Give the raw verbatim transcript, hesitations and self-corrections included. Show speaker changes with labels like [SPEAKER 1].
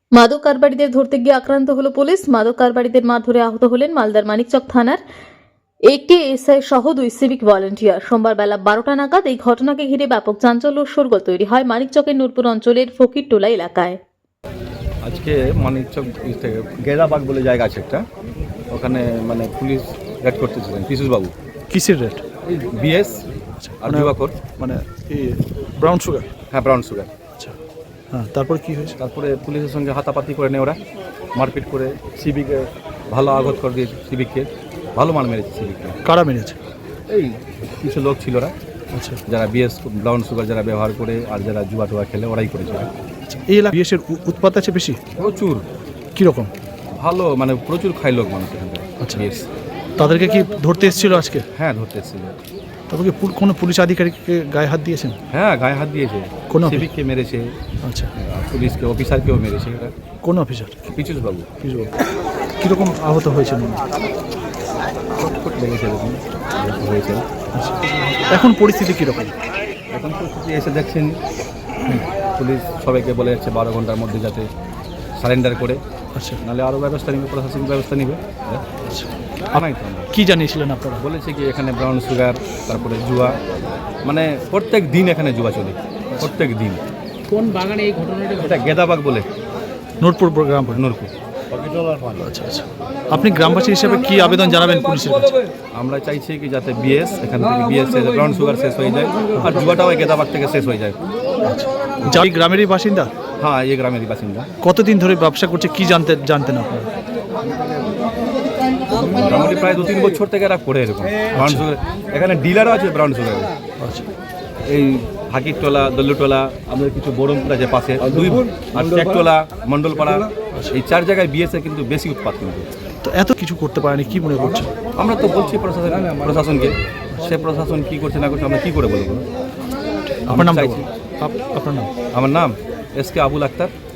[SPEAKER 1] মাদক কারবারিদের ধরতে গিয়ে আক্রান্ত হলো পুলিশ। মাদক কারবারিদের মারধরে আহত হলেন মালদার মানিকচক থানার একে এসআই সহ দুই সিভিক ভলান্টিয়ার। সোমবার বেলা বারোটা নাগাদ এই ঘটনাকে ঘিরে ব্যাপক চাঞ্চল্য ও শোরগোল তৈরি হয় মানিকচকের নূরপুর অঞ্চলের ফকিরটোলা এলাকায়।
[SPEAKER 2] আজকে মানিকচক থেকে গেদাবাগ বলে জায়গা আছে একটা, ওখানে মানে পুলিশ রেড করতেছিলেন পিসুসবাবু।
[SPEAKER 3] কিসের রেট?
[SPEAKER 2] এই বিএস আর যুবাকর,
[SPEAKER 3] মানে এই ব্রাউন সুগার।
[SPEAKER 2] হ্যাঁ ব্রাউন সুগার।
[SPEAKER 3] আচ্ছা, হ্যাঁ, তারপর কি হয়েছে?
[SPEAKER 2] তারপরে পুলিশের সঙ্গে হাতাপাতি করে নেয় ওরা, মারপিট করে সিভিকে ভালো আঘাত করে দিয়েছে, সিভিককে ভালো মার মেরেছে সিভিককে।
[SPEAKER 3] কারা মেরেছে?
[SPEAKER 2] এই কিছু লোক ছিল ওরা,
[SPEAKER 3] আচ্ছা,
[SPEAKER 2] যারা বিএস ব্রাউন সুগার যারা ব্যবহার করে আর যারা জুয়া টুয়া খেলে ওরাই করেছে।
[SPEAKER 3] আচ্ছা, এই এলাকা বিএসের উৎপাত আছে বেশি?
[SPEAKER 2] প্রচুর,
[SPEAKER 3] কীরকম?
[SPEAKER 2] ভালো মানে প্রচুর খাই লোক মানুষ এখানকার।
[SPEAKER 3] আচ্ছা,
[SPEAKER 2] বিএস
[SPEAKER 3] তাদেরকে কি ধরতে এসেছিল আজকে?
[SPEAKER 2] হ্যাঁ ধরতে এসেছিল।
[SPEAKER 3] তারপর কি পুল- কোনো পুলিশ আধিকারিককে গায়ে হাত দিয়েছেন?
[SPEAKER 2] হ্যাঁ গায়ে হাত দিয়েছে,
[SPEAKER 3] কোন অফিস?
[SPEAKER 2] সিভিককে মেরেছে,
[SPEAKER 3] আচ্ছা,
[SPEAKER 2] আর পুলিশকে অফিসারকেও মেরেছে এরা।
[SPEAKER 3] কোন অফিসার?
[SPEAKER 2] পিচুসবাবু।
[SPEAKER 3] কীরকম আহত হয়েছেন?
[SPEAKER 2] ছটফট লেগেছে এরকম হয়েছে।
[SPEAKER 3] আচ্ছা, এখন পরিস্থিতি কীরকম?
[SPEAKER 2] এখন পরিস্থিতি এসে দেখছেন পুলিশ সবাইকে বলে যাচ্ছে বারো ঘন্টার মধ্যে যাতে সারেন্ডার করে,
[SPEAKER 3] আচ্ছা,
[SPEAKER 2] নাহলে আরও ব্যবস্থা নেবে, প্রশাসনিক ব্যবস্থা নেবে।
[SPEAKER 3] আচ্ছা,
[SPEAKER 2] আমায় তো আমরা
[SPEAKER 3] কী জানিয়েছিলেন আপনারা?
[SPEAKER 2] বলেছে কি এখানে ব্রাউন সুগার, তারপরে জুয়া, মানে প্রত্যেক দিন এখানে জুয়া চলে, প্রত্যেক দিন।
[SPEAKER 4] কোন বাগানে এই ঘটনাটা?
[SPEAKER 2] এটা গেদাবাগ বলে,
[SPEAKER 3] নূরপুর গ্রাম পঞ্চায়েত।
[SPEAKER 2] নূরপুর।
[SPEAKER 3] আচ্ছা, আচ্ছা, আপনি গ্রামবাসী হিসেবে কি আবেদন জানাবেন পুলিশের কাছে?
[SPEAKER 2] আমরা চাইছি কি যাতে বিএস এখান থেকে বিএস ব্রাউন সুগার শেষ হয়ে যায়, আর জুয়াটাও এই গেদাবাগ থেকে শেষ হয়ে যায়।
[SPEAKER 3] যা এই গ্রামেরই বাসিন্দা?
[SPEAKER 2] হ্যাঁ এই গ্রামেরই বাসিন্দা।
[SPEAKER 3] কতদিন ধরে ব্যবসা করছে কি জানতে জানতেন আপনারা?
[SPEAKER 2] মোটামুটি প্রায় দু তিন বছর থেকে এরা করে এরকম ব্রাউন সুগার। এখানে ডিলারও আছে ব্রাউন সুগারের।
[SPEAKER 3] আচ্ছা,
[SPEAKER 2] এই হাকিরটোলা, দল্লুটোলা, আমাদের কিছু বরমপুর আছে পাশে, দুই আর টেকটোলা, মণ্ডলপাড়া, এই চার জায়গায় বিএসএ কিন্তু বেশি উৎপাদ কিন্তু।
[SPEAKER 3] তো এত কিছু করতে পারেনি, কি মনে করছে?
[SPEAKER 2] আমরা তো বলছি প্রশাসন প্রশাসনকে, সে প্রশাসন কি করছে না করছে আমরা কি করে বলবো?
[SPEAKER 3] আপনার নাম?
[SPEAKER 2] চাইছি।
[SPEAKER 3] আপ- আপনার নাম?
[SPEAKER 2] আমার নাম এস কে আবুল আক্তার।